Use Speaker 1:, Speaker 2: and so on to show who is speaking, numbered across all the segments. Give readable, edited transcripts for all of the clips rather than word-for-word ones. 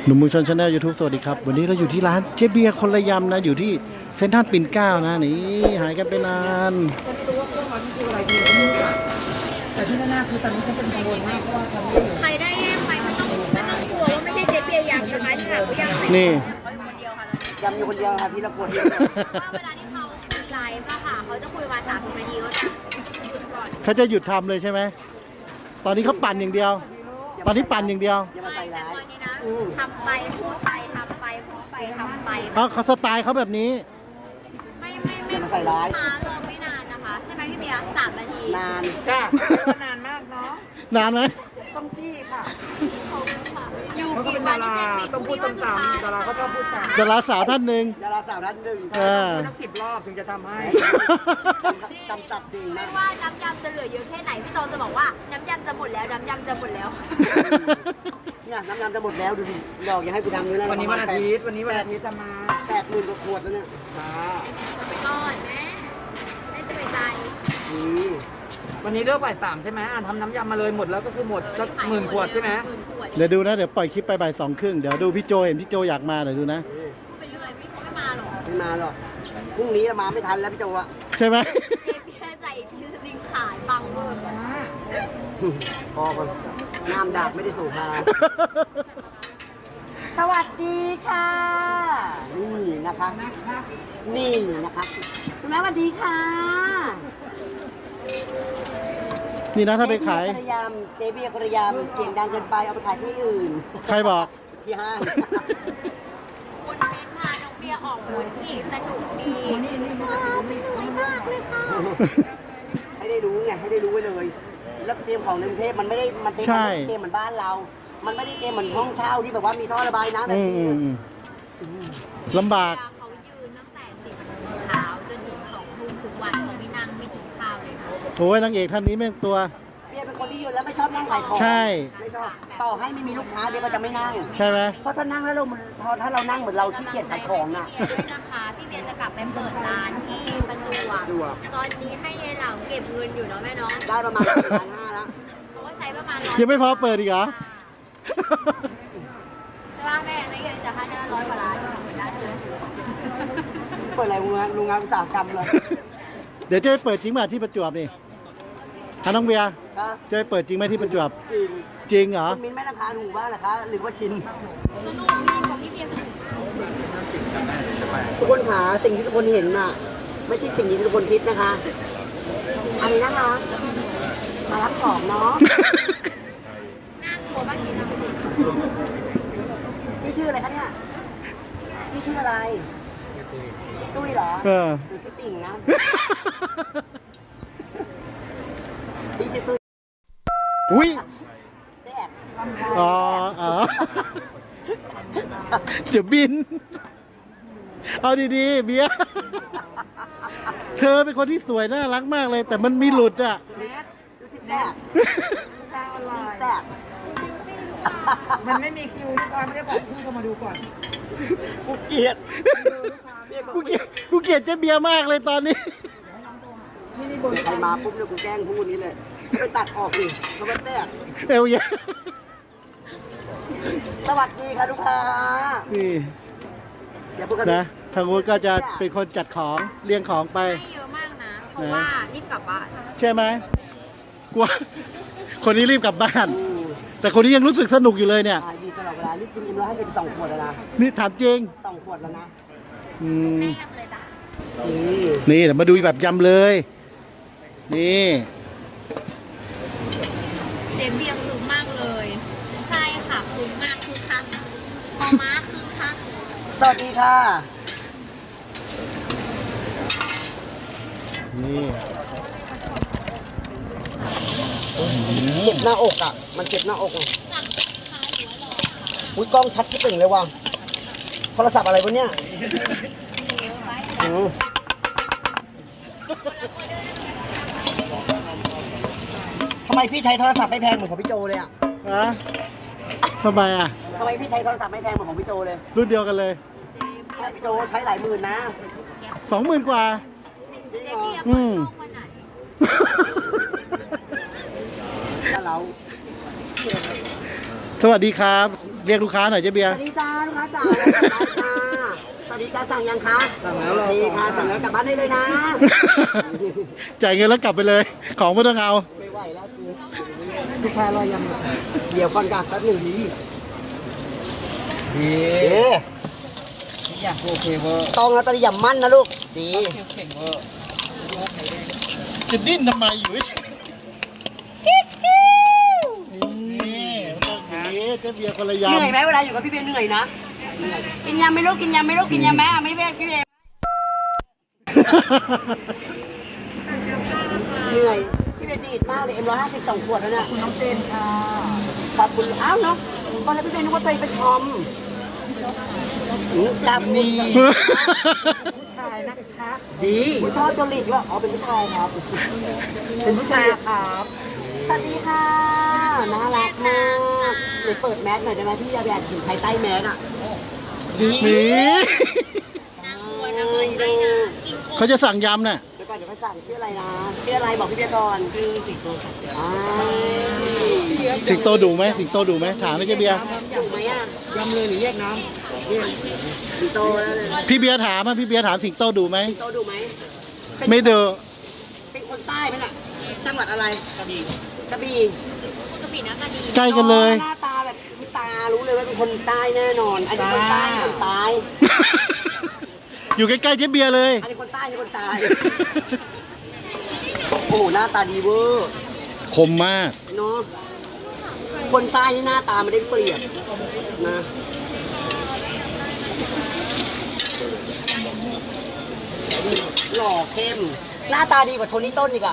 Speaker 1: หนุ่มเมืองชนชาแนลยูทูบสวัสดีครับวันนี้เราอยู่ที่ร้านเจ๊เบียร์คนละยำนะอยู่ที่เซ็นทรัลปิ่นเกล้านะนี่หายกันไปนาน
Speaker 2: ตัวเครื่องร้อนคืออะไรดีแต่ที่แน่ๆคือตอนนี้เขาเป็นกังวลมากเพราะว่าทำไม่ถึง
Speaker 3: ใครได้แย่งไปไม่ต้องกลัวว่าไม่ใช่เจ๊เบียร์ยำนะคะที่แบบยำ
Speaker 1: นี่
Speaker 3: เขาอยู่คนเดียวค่ะ
Speaker 4: ยำอยู่คนเดียวค่ะทีละขวดเดียว
Speaker 3: ว่าเวลาที่เขาคุยไลฟ์อะค่ะเขาจะคุยมา30 นาทีเขาจะหยุดก่อน
Speaker 1: เขาจะหยุดทำเลยใช่ไหมตอนนี้เขาปั่นอย่างเดียว ตอนนี้ปั่นอย่างเดียว
Speaker 4: อย่ามา
Speaker 3: ไม่
Speaker 4: ใส่
Speaker 3: แต่
Speaker 4: ร้าย
Speaker 3: ตอนนี้นะทำไปพูดไปทำไปพูดไปทำไป
Speaker 1: เขาสไตล์เขาแบบนี้
Speaker 4: อย่ามาใส่ร้าย
Speaker 3: มารอไม่นานนะคะใช่ไหมพี่เบียร์3 นาที
Speaker 4: นาน
Speaker 2: จ้าก็นานมากเนาะ
Speaker 1: นานไหม
Speaker 2: ต้องจี้ค่ะ
Speaker 3: อยู่
Speaker 2: เขาก็
Speaker 3: กี่
Speaker 2: เป็น
Speaker 3: วั
Speaker 2: ดาน
Speaker 3: ที่
Speaker 2: รา
Speaker 3: เซ็นปิด
Speaker 2: ต้องพูดซ้ำๆดาราเขาชอบพูดซ้ำ
Speaker 1: ดาราสาวท่านหนึ่ง
Speaker 4: ดาราสาวท่านหนึ่ง
Speaker 1: เออ
Speaker 2: พูดทั้ง10 รอบถึงจะทำให้
Speaker 4: จำสับจริง
Speaker 3: ไม่
Speaker 4: นะ
Speaker 3: ว่าน้ำยำจะเหลือเยอะแค่ไหนพี่ตองจะบอกว่าน้ำยำจะหมดแล้วน้ำยำจะหมดแล้ว
Speaker 4: เนี่ยน้ำยำจะหมดแล้วดูสิดอกอย่าให้กูทำด้วยนะ
Speaker 2: วันนี้วันอาทิตย์จะมา
Speaker 4: 80,000 กว่าขวดแล้วเนี่ย
Speaker 2: จ้า
Speaker 3: ไปก่อนแม่ไม่สบายใจ
Speaker 4: นี่
Speaker 2: วันนี้เลิกบ่าย3ใช่ไหมทำน้ำยำมาเลยหมดแล้วก็คือหมดสัก10,000 ขวดใช่ไหม
Speaker 3: 10,000 ขวด
Speaker 1: เดี๋ยวดูนะเดี๋ยวปล่อยคลิปไปบ่าย2:30เดี๋ยวดูพี่โจเห็นพี่โจอยากมาเดี๋ยวดูนะ
Speaker 3: พูดไปเรื่อยพี่เขาไม่มาหรอก
Speaker 4: ไม่มาหรอกพรุ่งนี้เรามาไม่ทันแล้วพี่โจอะ
Speaker 1: ใช่ไหม
Speaker 3: เจ๊เบียร์ใส่ทีสติงขายบังเบอร์
Speaker 4: พอก่อนน้ำดาบไม่ได้สูบมา
Speaker 2: สวัสดีค่ะ
Speaker 4: นี่นะคะ นี่นะคะ
Speaker 2: คุณแม่สวัสดีค่ะ
Speaker 1: นี่นะถ้าไปขาย
Speaker 4: เจเบียร์กระยำเสียงดังเกินไปเอาไปขายที่อื่น
Speaker 1: ใครบอก
Speaker 4: ที่ห้าง
Speaker 3: คุณเบนพาน้องเบียร์ออกหมุนอีกสนุกดีเป็นน้อยมากเลยค่ะ
Speaker 4: ให้ได้รู้ไงให้ได้รู้ไว้เลย แล้วเตรียมของในกรุงเทพมันไม่ได้มันเตรียม
Speaker 1: ใช่
Speaker 4: มันไม่ได้เตรียมเหมือนบ้านเรา มันไม่ได้เตรียมเหมือนห้องเช่าที่แบบว่ามีท่อระบายน้ำแบบ
Speaker 1: อืม
Speaker 4: นี้
Speaker 1: ลำบาก
Speaker 3: เขายืนตั้งแต่10 โมงเช้าจนถึง2 ทุ่มทุกวันเขาไม่นั่งไม่กินข้าวเลยนะ
Speaker 1: โอ้ยนางเอกท่านนี้แม่งตัว
Speaker 4: เบียร์เป็นคนที่ยืนแล้วไม่ชอบนั่งขายของ
Speaker 1: ใช่
Speaker 4: ไม่ชอบต่อให้ไม่มีลูกค้าเบียร์ก็จะไม่นั่ง
Speaker 1: ใช่ไหม
Speaker 4: เพราะถ้านั่งแล้วเราพอถ้าเรานั่งเหมือนเราขี้เกียจขายของน่ะ
Speaker 3: ด้วยนะคะพี่เบียร์จะกลับไปเปิดร้านที่ประจวบตอนนี้ให้ยายเหล่าเก็บเงินอยู่เนาะแม่เนาะ
Speaker 4: ได้ประมาณ1,500,000แล้ว
Speaker 3: เขาก็ใช้ประมาณ
Speaker 1: ยังไม่พอเปิดอีกเหรอ
Speaker 3: แต่ว่าแม่ในเงินจะให้ได้100 กว่าล้านได้เลย
Speaker 4: เปิดอะไรโรงงานอุตสาหกรรมเลย
Speaker 1: เดี๋ยวจะไปเปิดจริงป่ะที่ประจวบนี่ฮะน้องเบียร์
Speaker 4: ครับ
Speaker 1: จะไปเปิดจริงไหมที่ประจวบ
Speaker 4: จริง
Speaker 1: จริงเหรอ
Speaker 4: คุณมิ้นไม่ราคาถูกบ้างเหรอคะหรือว่าชิน
Speaker 3: สนุกดีของพี่เบียร์สนุก
Speaker 4: ทุกคนขาสิ่งที่ทุกคนเห็นน่ะ ไม่ใช่สิ่งที่ทุกคนคิดนะคะ อันนี้นะคะ มารับของเนาะ
Speaker 3: น่ากลัวมากจริงนะ
Speaker 4: พี่ชื่ออะไรคะเนี่ยพี่ชื่ออะไรพี่ตุ้ยเหรอ
Speaker 1: เออ
Speaker 4: หรือชื่อติ่งนะพี่ชื่อตุ้ย
Speaker 1: อุ้ย
Speaker 4: แดก
Speaker 1: อ๋ออ๋อเดี๋ยวบิน เอาดีๆ เบียร์เธอเป็นคนที่สวยน่ารักมากเลย แต่มันมีหลุดอ่ะ
Speaker 2: แนท
Speaker 4: ชื่อแดก
Speaker 2: ดาวออนไลน์
Speaker 4: แดก
Speaker 2: มันไม่มีคิวลูกค้าไม่ได้บอกชื่อเข้ามาดูก่อน
Speaker 4: กูเกลียด
Speaker 1: กูเกลียดเจ๊เบียร์มากเลยตอนนี้
Speaker 4: ใครมาปุ๊บเนี่ยกูแกล้งพูดนี้เลยไปตัดออกดิเขาไปแดก
Speaker 1: เอวเยอะ
Speaker 4: สวัสดีค่ะลูกค้า
Speaker 1: นี่
Speaker 4: อย่าพูดกัน
Speaker 1: นะทางนู้นก็จะเป็นคนจัดของเรียงของไป
Speaker 3: ให้เยอะมากนะ เพราะว่ารีบกลับบ้าน
Speaker 1: ใช่ไหมกลัวคนนี้รีบกลับบ้าน
Speaker 4: อืม
Speaker 1: แต่คนนี้ยังรู้สึกสนุกอยู่เลยเนี่ย
Speaker 4: ขายดีตลอดเวลารีบกินM150 2 ขวดแล้วนะ
Speaker 1: นี่ถามจริง
Speaker 4: 2 ขวดแล้วนะ
Speaker 1: อืม
Speaker 3: แม่ยังเลยจ้ะ
Speaker 4: จริง
Speaker 1: นี่เดี๋ยวมาดูแบบยำเลย นี่
Speaker 3: เจ๊เบียร์คึกมากเลย ใช่ค่ะคึกมากคึกคักพอม้าคึกคัก
Speaker 4: สวัสดีค่ะ
Speaker 1: นี่
Speaker 4: เจ็บหน้าอกอ่ะ มันเจ็บหน้าอกอ่ะ
Speaker 3: สั่งขายหัวหล่อค่ะ
Speaker 4: อุ้ยกล้องชัดชิบเป่งเลยว่ะโทรศัพท์อะไรวะเนี่ยอืมทำไมพี่ใช้โทรศัพท์ไม่แพงเหมือนของพี่โจเลยอ่ะ
Speaker 1: อะทำไมอ่ะ
Speaker 4: ทำไมพี่ใช้โทรศัพท์ไม่แพงเหมือนของพี่โจเลย
Speaker 1: รุ่นเดียวกันเลย
Speaker 4: ใช่พี่โจใช้หลายหมื่นนะ
Speaker 1: 20,000 กว่า
Speaker 4: จริง
Speaker 3: เจ๊
Speaker 4: เหรอ
Speaker 3: เบียร์เปิดช่องวันไหน
Speaker 4: ถ้าเรา
Speaker 1: สวัสดีครับเรียกลูกค้าหน่อยเจ๊เบีย
Speaker 4: ส
Speaker 1: ร์
Speaker 4: วัสดีจ้าลูกค้าจ๋าสวัสดีจ้าสั่งยังคะ
Speaker 2: สั่งแล้ว
Speaker 4: โอเคค่ะสั่งแล้วกลับบ้านได้เลยนะ
Speaker 1: จ่ายเงินแล้วกลับไปเลย ของไม่ต้องเอา
Speaker 4: ไม่ไหวแล้วคือ
Speaker 2: ลูกค้ารอยัง
Speaker 4: เดี๋ยวก่อนกันแป๊บหนึ่งดี
Speaker 2: ดี
Speaker 4: เอ๊ะ
Speaker 2: ทุกอย่างโอเคเวอร์
Speaker 4: ต้องแล้วตอนนี้อย่ามั่นนะลูกดี
Speaker 2: เก่งเวอร์
Speaker 1: จะดิ้นทำไมอยู่นี่ต้องอย่างนี้เจ๊เบียร์คนละ
Speaker 4: เหนื่อย
Speaker 1: ยำ
Speaker 4: ไหมเวลาอยู่กับพี่เบียร์เหนื่อยนะกินยำไหม่ลูกกินยำไหม่ลูกกินยำไหมอ่ะไม่เบียร์พี่เบียร์เหนื่อยพี่เบียร์ดีดมากเลยM150 2 ขวดแล้วเนี่ย
Speaker 2: คุณน้องเจนค่ะ
Speaker 4: ขอบคุณอ้าวเนาะตอนแรกพี่เบียร์นึกว่าตัวเองเป็นทอมจับนี่
Speaker 2: ผู้ชายนะคะ ดี
Speaker 4: ผู้ชอบจริตว่าอ๋อเป็นผู้ชายครับ
Speaker 2: เป็นผู้ชายครับ
Speaker 4: สวัสดีค่ะน่ารักมากเดี๋ยวเปิดแมสหน่อยได้ไหมพี่อยากเห็นใครใต้แมสอ่ะ
Speaker 1: นี่
Speaker 4: ดู
Speaker 1: เขาจะสั่งยำน่ะ
Speaker 4: เดี๋ยวก่อนเดี๋ยวไปสั่งชื่ออะไรนะชื่ออะไรบอกพี่เบียร์ก่อนชื่อสิงโตค่ะ
Speaker 1: สิงโตดูไหมสิงโตดูไหมถามไหมเจ๊เบียร์
Speaker 4: ถูกไหมอ่ะ
Speaker 2: ยำเลยหรือแยกน้
Speaker 4: สิงโตแล้วเลย
Speaker 1: พี่เบียร์ถามอ่ะพี่เบียร์ถามสิงโตดูไหม
Speaker 4: สิงโตดูไหม
Speaker 1: ไม่ดู
Speaker 4: เป็นคนใต้ไหมน่ะจังหวัดอะไรกระบี่กระบี่
Speaker 3: ปกตินะก็ดี
Speaker 1: ใกล้กันเลย
Speaker 4: หน้าตาแบบพี่ตารู้เลยว่าเป็นคนใต้แน่นอน อันนี้คนใต้นี่คนตาย
Speaker 1: อยู่ใกล้ๆเจ๊เบียร์เลย
Speaker 4: อันนี้คนใต้นี่คนตายโอ้โหหน้าตาดีเวอร์
Speaker 1: คมมาก
Speaker 4: เนาะคนใต้นี่หน้าตาไม่ได้เปรียบนะหล่อเข้ม หน้าตาดีกว่าโทนี่ต้นอีกอะ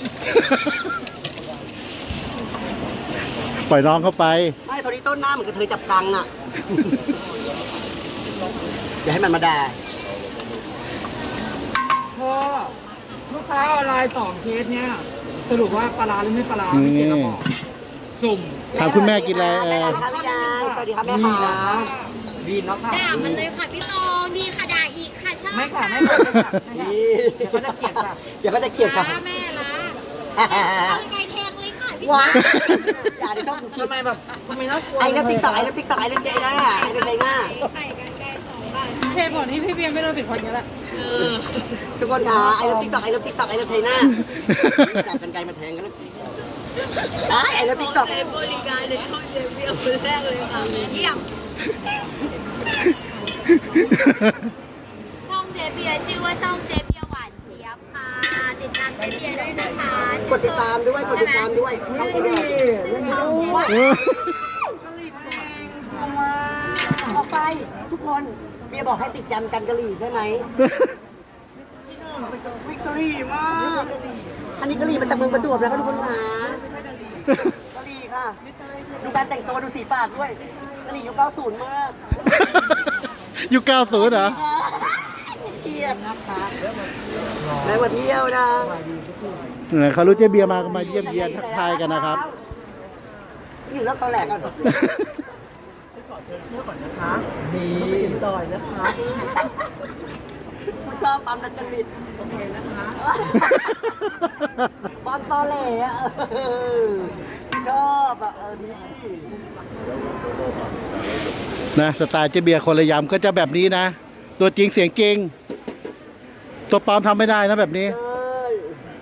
Speaker 1: ปล่อยน้องเข้าไป
Speaker 4: ไม่โทนี่ต้นหน้าเหมือนกับเธอจับกังอะ อย่าให้มันมาด่า
Speaker 2: ำพ่อลูกค้าออนไลน์2 เคสเนี่ย สรุปว่าปลาร้าหรือไม่ปลาร้าไม่เกี่ยวกับบอกสุ่ม
Speaker 1: ถามคุณแม่กินอะไร
Speaker 4: แม่ครับพี่ยางสวัสดีครับแม่ค่ะ
Speaker 2: ดีเนาะค่ะ
Speaker 3: ด่ามันเลยค่ะพี่ตองดีค่ะด่าอีกค่ะชอบ
Speaker 2: ไม่ค่ะไม่ค่ะไม่ค่ะไม่ค่ะ
Speaker 4: นี่
Speaker 2: เดี๋ยวเขาจะเกลียดค่ะ
Speaker 4: เดี๋ยวก็จะเกลียดค่ะ
Speaker 3: แม่ละเอาไกลแทงเลยค่ะพี่ตอ
Speaker 4: ว้าง อย่าได้ชอบดูคลิป
Speaker 2: ทำไมแบบทำไมน่ากลัว
Speaker 4: ไอ้เลิฟติ๊กต็อกไอ้เลิฟติ๊กต็อกไอ้เลิฟเจน่าไอ้เลิฟเจน่า
Speaker 3: ไข่กันไกล2 บาท
Speaker 2: เหตุผลที่พี่เบียร์ไม่โดนปิดคนนี้แหละ
Speaker 4: ทุกคนค่ะไอ้เลิฟติ๊กต็อกไอ้เลิฟติ๊กต็อกไอ้เลิฟเจน่าจับกันไกลมาแทงกันแล้วไอ้เลิฟติ๊กต็อก
Speaker 3: ใช้บริการในช่องเจเบียคนแรกเลยค่ะเยี่ยมช่องเจเบียชื่อว่าช่องเจเบียหวานเจี๊ยบค่ะติดตามเจเบียด้วยนะคะ
Speaker 4: กดติดตามด้วยกดติดตามด้วยช่องเจมี่
Speaker 3: ชื่อช่องเจ
Speaker 4: ว้า
Speaker 3: เบีย
Speaker 4: ออกไปทุกคนเบียร์บอกให้ติดยำกันกะหรี่ใช่ไหมวิกตอรี่มากอันนี้กะหรี่มาจากเมืองประจวบนะครับทุกคนค่ะกะหรี่ค่ะดูการแต่งตัวดูสีปากด้วยกะหรี่ยุค90มาก
Speaker 1: ยุค90เหรอ
Speaker 4: เกียดนะคะได้มาเที่ยวนะ
Speaker 1: เขารู้เจ๊เบียร์มาก็มาเยี่ยมเยียนทักทายกันนะครับ
Speaker 4: อยู่เรื่องตอนแหลกก่อนนะคะดีจอยนะคะผู้ชอบปั๊มนักจริตโอเคนะคะปั๊มตอแหลอ่ะชอบอ่ะดี
Speaker 1: นะสไตล์เจ๊เบียร์คนละยำก็จะแบบนี้นะ ตัวจริงเสียงจริง ตัวปลอมทำไม่ได้นะแบบนี้
Speaker 4: เอ้ย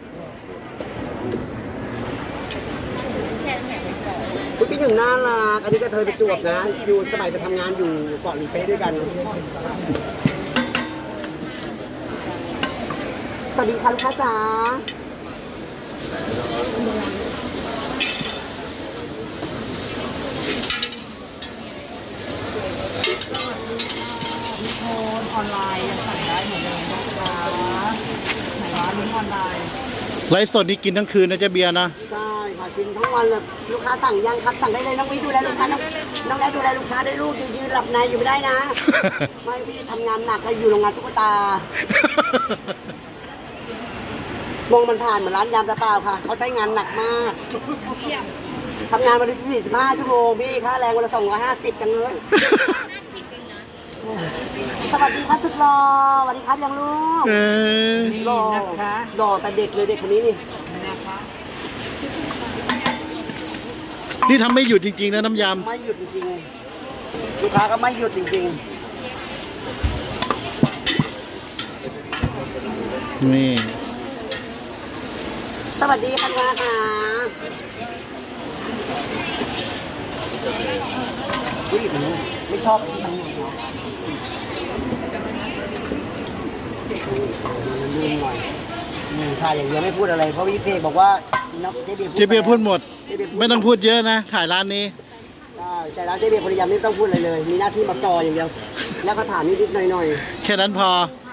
Speaker 4: คุณพี่หนึ่งน่ารักอันนี้ก็เธอไปจวบนะ อยู่สมัยไปทำงานอยู่เกาะหลีเป๊ะด้วยกัน สวัสดีค่ะลูกค้าจ๋า
Speaker 2: โอนออนไลน์ยังสั่งได้เหมือนเดิมนะคะไหนวะลิงก์ออนไลน์
Speaker 1: ไลฟ์สดนี่กินทั้งคืนนะเจ๊เบียร์นะ
Speaker 4: ใช่ค่ะกินทั้งวันเลยลูกค้าสั่งยังครับสั่งได้เลยน้องวิดูแลลูกค้าน้องแอดดูแลลูกค้าได้ลูกยืนหลับในอยู่ไม่ได้นะ ไม่พี่ทำงานหนักเลยอยู่โรงงานตุ๊กตามองมันผ่านเหมือนร้านยำแต่เปล่าค่ะเขาใช้งานหนักมากทำงานวันละ45 ชั่วโมงพี่ค่าแรงวันละ250จังเลย สวัสดีครับทุกรอสวัสดีครับยังลูก
Speaker 1: เออ
Speaker 2: นี่
Speaker 4: รอ
Speaker 2: นะคะ
Speaker 4: รอแต่เด็กเลยเด็กคนนี้นี่
Speaker 2: นะคะ
Speaker 1: นี่ทำไม่หยุดจริงๆนะน้ำย
Speaker 4: ไม่หยุดจริงลูกค้าก็ไม่หยุดจริง
Speaker 1: นี่
Speaker 4: ๆ สวัสดีค่ะค่ะอุ้ยไม่ชอบที่มันเหนียวลืมหน่อยถ่ายอย่างเดียวไม่พูดอะไร เพราะพี่เพกบอกว่าเจ๊เบียร์
Speaker 1: พูดหมด ไม่ต้องพูดเยอะนะ ถ่ายร้านนี้
Speaker 4: ใช่ร้านเจ๊เบียร์คนเดียวไม่ต้องพูดอะไรเลย มีหน้าที่มาจออย่างเดียว แล้วก็ถามนิดๆหน่อย
Speaker 1: แค่นั้นพอ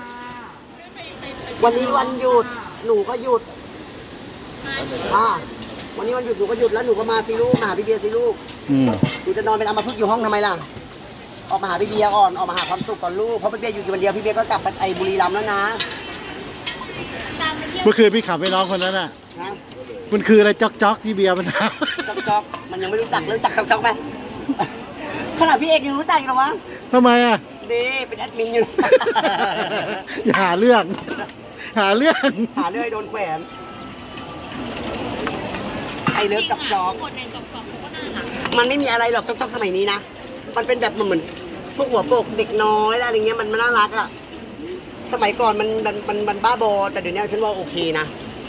Speaker 4: ๆ วันนี้วันหยุด หนูก็หยุดวันนี้วันหยุดหนูก็หยุดแล้วหนูก็มาซีลูกมาหาพี่เบียร์ซีลูก
Speaker 1: อืม
Speaker 4: หนูจะนอนเป็นอัมพฤกษ์อยู่ห้องทำไมล่ะ ออกมาหาพี่เบียร์ก่อน ออกมาหาความสุขก่อนลูก เพราะพี่เบียร์อยู่วันเดียวพี่เบียร์ก็กลับไปไอ้บุรีรัมย์แล้วนะ
Speaker 1: เมื่อคืนพี่ขับไปน้องคนนั้นอ่ะ
Speaker 4: นะ
Speaker 1: มันคืออะไรจ๊อกที่เบียร์มันท
Speaker 4: จ๊อกมันยังไม่รู้จักเลยรู้จักจ๊อกไหมขนาดพี่เอกยังรู้จักอีกเหรอวะ
Speaker 1: ำทำไมอ่ะ
Speaker 4: ดีเป็นแอดมินอยู่
Speaker 1: อย่าหาเรื่อง หาเรื่อง
Speaker 4: หาเรื่องให้โดนแขวนไอ้เลิฟจ๊อก
Speaker 3: คนในจอกเขาก็น่ารัก
Speaker 4: มันไม่มีอะไรหรอกจ๊อกสมัยนี้นะ มันเป็นแบบเหมือนพวกหัวโปกเด็กน้อยอะไรเงี้ยมันน่ารักอะสมัยก่อนมันบ้าบอแต่เดี๋ยวนี้ฉันว่าโอเคนะ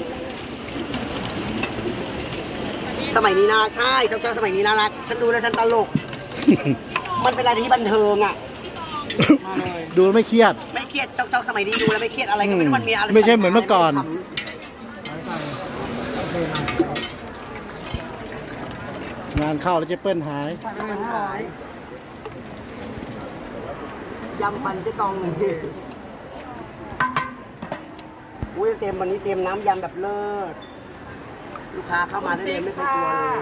Speaker 4: สมัยนี้น่ารักใช่จ๊อกสมัยนี้น่ารักฉันดูแล้วฉันตลก มันเป็นอะไรที่บันเทิงอะมาเลย
Speaker 1: ดูแล้วไม่เครียด
Speaker 4: ไม่เครียดจ๊อกสมัยนี้ดูแล้วไม่เครียดอะไรก็ไม่รู้มันมีอะไร
Speaker 1: ไม่ใช่เหมือนเมื่อก่อน งานเข้าแล้วเจ๊เปิ้ลหาย
Speaker 4: ยำปันเจ๊กองเลยอุ้ยเต็มวันนี้เต็มน้ำยำแบบเลิศลูกค้าเข้ามาได้เลยไม่เคยกลัวเลย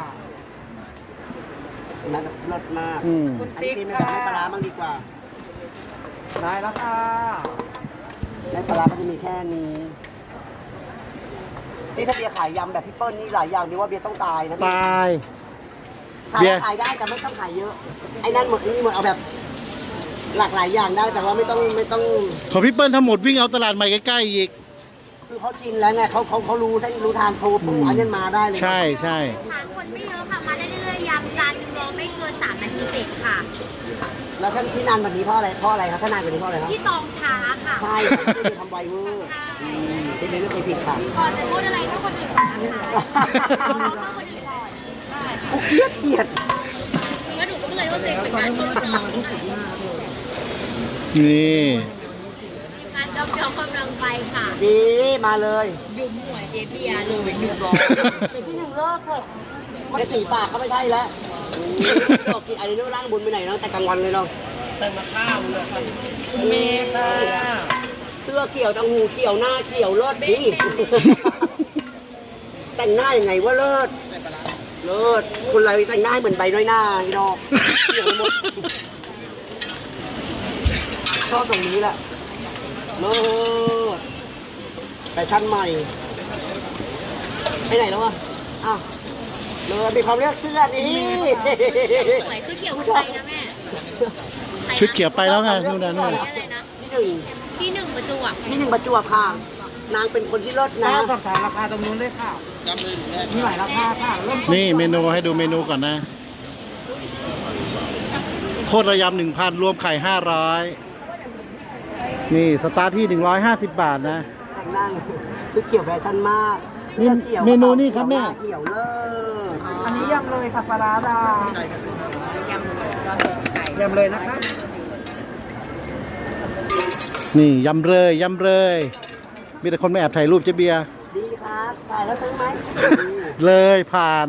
Speaker 4: นะแบบเลิศมาก
Speaker 1: อืม
Speaker 4: อันนี้เต็มแบบไม่ปลาร้าบ้างดีกว่า
Speaker 2: ได้แล้วค่ะ
Speaker 4: ไม่ปลาร้าก็จะมีแค่นี้นี่ถ้าเบียร์ขายยำแบบพี่เปิ้ลนี่หลายอย่างดีว่าเบียร์ต้องตายนะ
Speaker 1: ตาย
Speaker 4: ขายขายได้แต่ไม่ต้องขายเยอะไอ้นั่นหมดไอ้นี่หมดเอาแบบ หลากหลายอย่างได้แต่ว่าไม่ต้อง
Speaker 1: ของพี่เปิ้ลทั้งหมดวิ่งเอาตลาดใหม่ใกล้ๆอีก
Speaker 4: คือเขาชินแล้วไงเขารู้เส้นรู้ทางโทรปุ๊บอันนี้มาได้เลย
Speaker 1: ใช่ใช่
Speaker 3: ทานคนไม่เยอะค่ะ มาได้เรื่อยๆยำจานนึงรอไม่เกิน3 นาทีเสร็จค่ะ
Speaker 4: แล้วท่านที่นานแบบนี้เพราะอะไรครับถ้านานแบบนี้เพราะอะไรครับ
Speaker 3: ที่ตองช้าค่ะ
Speaker 4: ใช่ไม่ได้ทำไวเวอร์ที่ไม่เคยผิดค่ะ
Speaker 3: ก่อนจะพูดอะไรก็คนอื่นก่อนนะคะเอาเพื่อคนอื่นก่อน
Speaker 4: กูเกลียด
Speaker 3: แล้วหนูก็ไม่เลยว่าตัวเองเป็นการพูดน้อง
Speaker 1: นี่
Speaker 3: ทีมงานจอมกำลังไปค่ะ
Speaker 4: ดีมาเลย
Speaker 3: ยุมหัวเจเบียร์เลยยุมร้อ
Speaker 4: เด็กที่หนึ่งเลิกเถอะมันสีปากก็ไม่ใช่แล้วดอกกินอะไรเรื่องร่างบุญไปไหนเนาะแต่กลางวันเลยเนาะ
Speaker 2: แต่มาข้าวเลยค่ะคุณเมย์ค่ะ
Speaker 4: เสื้อเขียวตังหูเขียวหน้าเขียวเลิศดีแต่งหน้ายังไงว่าเลิศเลิศคุณอะไรแต่งหน้าเหมือนใบน้อยหน้าพี่น้องเขียวไปหมดชอบตรงนี้แหละเลิศแฟชั่นใหม่ไปไหนแล้ววะอ้าวเลยมีความเลือกเสื้อนี่
Speaker 3: สวยชุดเขียวคนไทยนะแม่
Speaker 1: ชุดเขียวไปแล้วไงนู่นน่ะนู่น
Speaker 3: อะไรนะ
Speaker 4: ที่หนึ่ง
Speaker 3: พี่หนึ่งประจวบ
Speaker 4: ที่หนึ่งประจวบค่ะ นางเป็นคนที่เลิศนะ
Speaker 2: สอบถามราคาตรงนู้นด้วยค่ะมีหลายราคาค่ะเริ่ม
Speaker 1: นี่เมนูให้ดูเมนูก่อนนะ โคตรระยำ 1,000 รวมไข่ 500 นี่สตาร์ทที่ 150 บาทนะ
Speaker 4: แต่งหน้าชุดเขียวแฟชั่นมาก
Speaker 1: นี่
Speaker 4: สื้อขียว
Speaker 1: เมนูนี่ครับแม่
Speaker 4: เขียวเลิศ
Speaker 2: อันนี้ยำเลยค่ะปลาร้าดา ยำเลยนะคะ
Speaker 1: นี่ยำเลยมีแต่คนไม่แอบถ่ายรูปเจ๊เบียร์
Speaker 4: ดีครับถ่ายแล้วซื้อไหม
Speaker 1: เลยผ่าน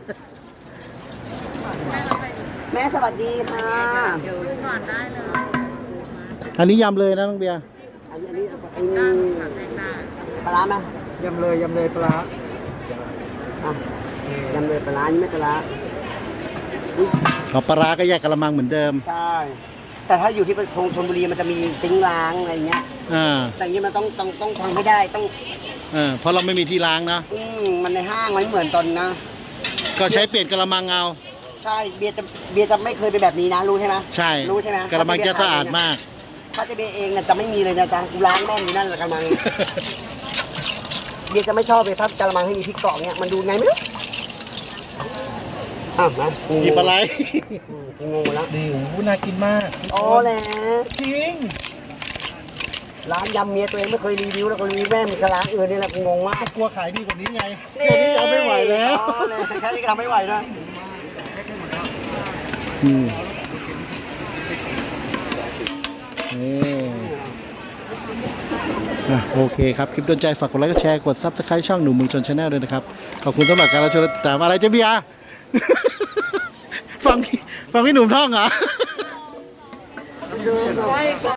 Speaker 4: แม่สวัสดีค่ะ
Speaker 3: ก่อนได้เลย
Speaker 1: อันนี้ยำเลยนะน้องเบียร์
Speaker 4: อันนี้ปลาร้าไหม
Speaker 2: ยำเลยปลาร้า
Speaker 4: อ่ะยำเลยปลาร้านี่ไม่ปลาร้าอุ๊ย
Speaker 1: เอาปลาร้าก็แยกกระมังเหมือนเดิม
Speaker 4: ใช่ แต่ถ้าอยู่ที่ชลบุรีมันจะมีซิงค์ล้างอะไรเงี้ย แต่อย่างนี้มันต้องทำให้ได้ต้อง
Speaker 1: เพราะเราไม่มีที่ล้างนะ
Speaker 4: มันในห้างมันไม่เหมือนตอนนะ
Speaker 1: ก็ใช้เปลี่ยนกระมังเอา
Speaker 4: ใช่เบียร์จะไม่เคยเป็นแบบนี้นะรู้ใช่ไหม
Speaker 1: ใช่
Speaker 4: รู้ใช่ไหม
Speaker 1: กระมังจะสะอาดมาก
Speaker 4: ถ้าจะเบียร์เองเนี่ยจะไม่มีเลยนะจ๊ะกูล้างแม่งอยู่นั่นแหละกระมัง เบียร์จะไม่ชอบเลยถ้ากระมังให้มีพริกเกาะเนี่ยมันดูไงไม่รู้อ้าวนะ
Speaker 1: หยิบอะไร
Speaker 4: กูงงแล้ว
Speaker 1: นี่โอ้โหน่ากินมาก
Speaker 4: โอ้แหละ
Speaker 1: จริง
Speaker 4: ร้านยำเมียตัวเองไม่เคยรีวิวแล้วก็รีวิวแม่มีกระร้านอื่นนี่แหละกูงงมาก
Speaker 1: กลัวขายดีกว่านี้ไงเดี๋ยวนี้จะไม่ไหวแล้ว
Speaker 4: อ๋อเลยแค่นี้ก็ทำไม่ไหวนะ
Speaker 1: อืมนี่โอเคครับ คลิปโดนใจฝากกดไลค์กดแชร์ กด Subscribe ช่องหนุ่มเมืองชนชาแนลด้วยนะครับ ขอบคุณสำหรับการรับชมและติดตามอะไรเจ๊เบียร์ ฟังพี่หนุ่มท่องเหรอ
Speaker 2: ใช่